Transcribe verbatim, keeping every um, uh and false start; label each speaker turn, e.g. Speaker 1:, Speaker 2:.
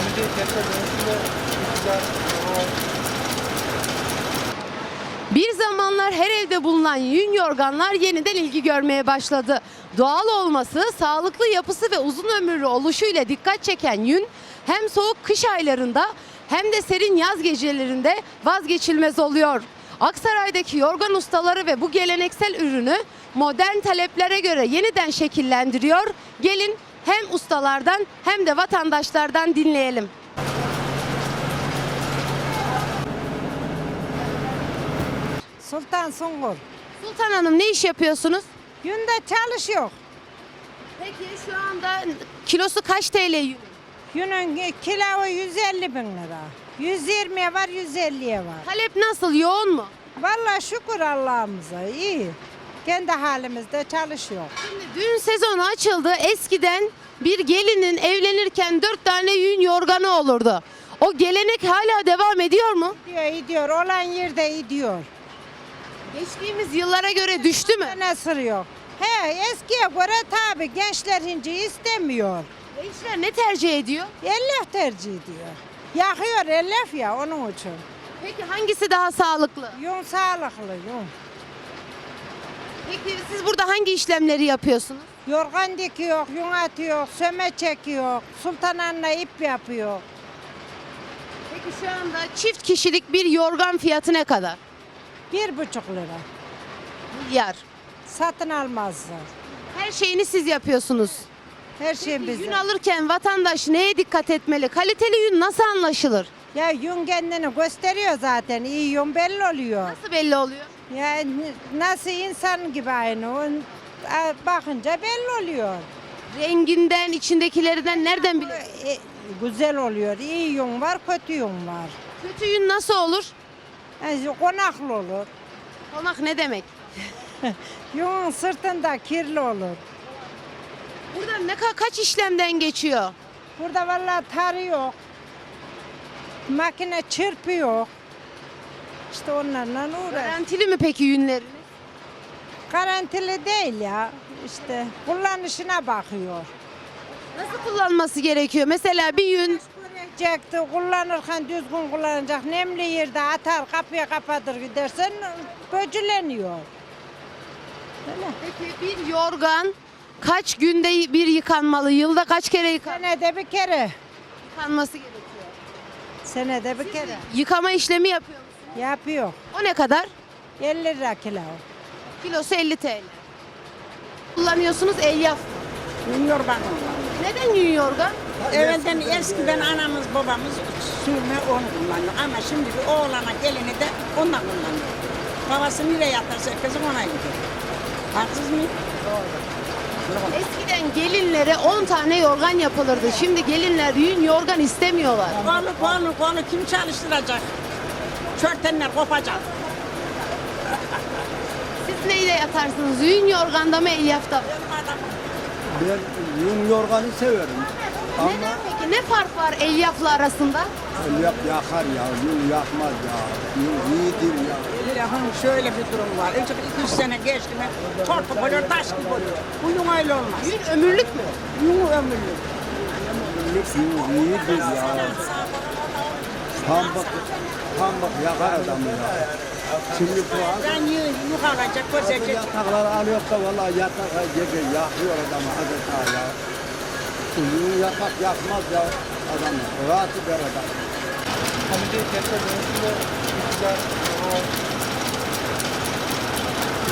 Speaker 1: Bir zamanlar her evde bulunan yün yorganlar yeniden ilgi görmeye başladı. Doğal olması, sağlıklı yapısı ve uzun ömürlü oluşuyla dikkat çeken yün hem soğuk kış aylarında hem de serin yaz gecelerinde vazgeçilmez oluyor. Aksaray'daki yorgan ustaları ve bu geleneksel ürünü modern taleplere göre yeniden şekillendiriyor. Gelin hem ustalardan hem de vatandaşlardan dinleyelim.
Speaker 2: Sultan Sungur.
Speaker 1: Sultan Hanım, ne iş yapıyorsunuz?
Speaker 2: Günde çalışıyor.
Speaker 1: Peki şu anda kilosu kaç T L yün?
Speaker 2: Günün kilo yüz elli bin lira. yüz yirmiye var, yüz elliye var.
Speaker 1: Talep nasıl, yoğun mu?
Speaker 2: Vallahi şükür Allah'ımıza iyi. Kendi halimizde çalışıyor.
Speaker 1: Şimdi düğün sezonu açıldı. Eskiden bir gelinin evlenirken dört tane yün yorganı olurdu. O gelenek hala devam ediyor mu?
Speaker 2: Gidiyor, gidiyor. Olan yerde gidiyor.
Speaker 1: Geçtiğimiz yıllara göre düştü mü?
Speaker 2: Ne sırıyor? He, eskiye göre tabii gençler hinci istemiyor.
Speaker 1: Gençler ne tercih ediyor?
Speaker 2: Ellef tercih ediyor. Yakıyor ellef ya onun için.
Speaker 1: Peki hangisi daha sağlıklı?
Speaker 2: Yun sağlıklı yun.
Speaker 1: Peki siz burada hangi işlemleri yapıyorsunuz?
Speaker 2: Yorgan dikiyor, yun atıyor, söme çekiyor, sultan anne ip yapıyor.
Speaker 1: Peki şu anda çift kişilik bir yorgan fiyatı ne kadar?
Speaker 2: Bir buçuk lira.
Speaker 1: Milyar.
Speaker 2: Satın almazlar.
Speaker 1: Her şeyini siz yapıyorsunuz.
Speaker 2: Her şey
Speaker 1: Peki,
Speaker 2: bizde.
Speaker 1: yün alırken vatandaş neye dikkat etmeli? Kaliteli yün nasıl anlaşılır?
Speaker 2: Ya yün kendini gösteriyor zaten. İyi yün belli oluyor.
Speaker 1: Nasıl belli oluyor?
Speaker 2: Ya n- nasıl insan gibi aynı. O, a- bakınca belli oluyor.
Speaker 1: Renginden, içindekilerinden nereden biliyorsun?
Speaker 2: E, güzel oluyor. İyi yün var, kötü yün var.
Speaker 1: Kötü yün nasıl olur?
Speaker 2: Yani konaklı olur.
Speaker 1: Konak ne demek?
Speaker 2: Yün sırtında kirli olur.
Speaker 1: Burada ne ka- kaç işlemden geçiyor?
Speaker 2: Burada vallahi tarı yok. Makine çırpıyor. İşte onlarla uğraş.
Speaker 1: Garantili mi peki yünleriniz?
Speaker 2: Garantili değil ya. İşte kullanışına bakıyor.
Speaker 1: Nasıl kullanması gerekiyor? Mesela bir yün
Speaker 2: Görecekti, kullanırken düzgün kullanacak. Nemli yerde atar, kapıya kapatır gidersen böcüleniyor. Öyle.
Speaker 1: peki bir yorgan kaç günde bir yıkanmalı? Yılda kaç kere yıkan
Speaker 2: Senede bir kere.
Speaker 1: yıkanması gerekiyor?
Speaker 2: Senede bir kere.
Speaker 1: Yıkama işlemi yapıyor musunuz?
Speaker 2: Yapıyor.
Speaker 1: O ne kadar?
Speaker 2: elli lira kilo.
Speaker 1: Kilosu elli T L. Kullanıyorsunuz elyaf.
Speaker 3: Yün yorgan.
Speaker 1: Neden yün yorgan?
Speaker 3: Evvelden eskiden anamız babamız sürme onu kullanıyor. Ama şimdi bir oğlana gelini de ondan kullanıyor. Babası nereye yatarsa kızım ona gidiyor. Haksız mıyım?
Speaker 1: Eskiden gelinlere on tane yorgan yapılırdı. Şimdi gelinler yün yorgan istemiyorlar.
Speaker 3: Kolu kolu kolu kim çalıştıracak? Çörtenler kopacak.
Speaker 1: Siz neyle yatarsınız? Yün yorganda mı, elyafta mı?
Speaker 4: Ben yün yorganı severim. Ama
Speaker 1: Neden peki? Ne fark var elyafla arasında?
Speaker 4: elyaf yakar ya, yün yakmaz ya. Yün iyidir ya.
Speaker 3: Yakın şöyle bir durum var. İlk iki üç sene geçti mi tortu oluyor, taş gibi oluyor. Bu yün öyle olmaz.
Speaker 1: Yün ömürlük mü?
Speaker 3: Yün ömürlü.
Speaker 4: Yün iyidir ya. Pambık, pambık yakar adamı ya. Şimdi bu az
Speaker 3: Ben yün yukarıca
Speaker 4: bu
Speaker 3: görecek.
Speaker 4: yatakları alıyor da vallahi yatak gece yakıyor adamı adeta ya. Bu yün yatak yakmaz ya adamı. Rahat eder adam.
Speaker 5: Hani bir kentsel dönüşümde iktidar, o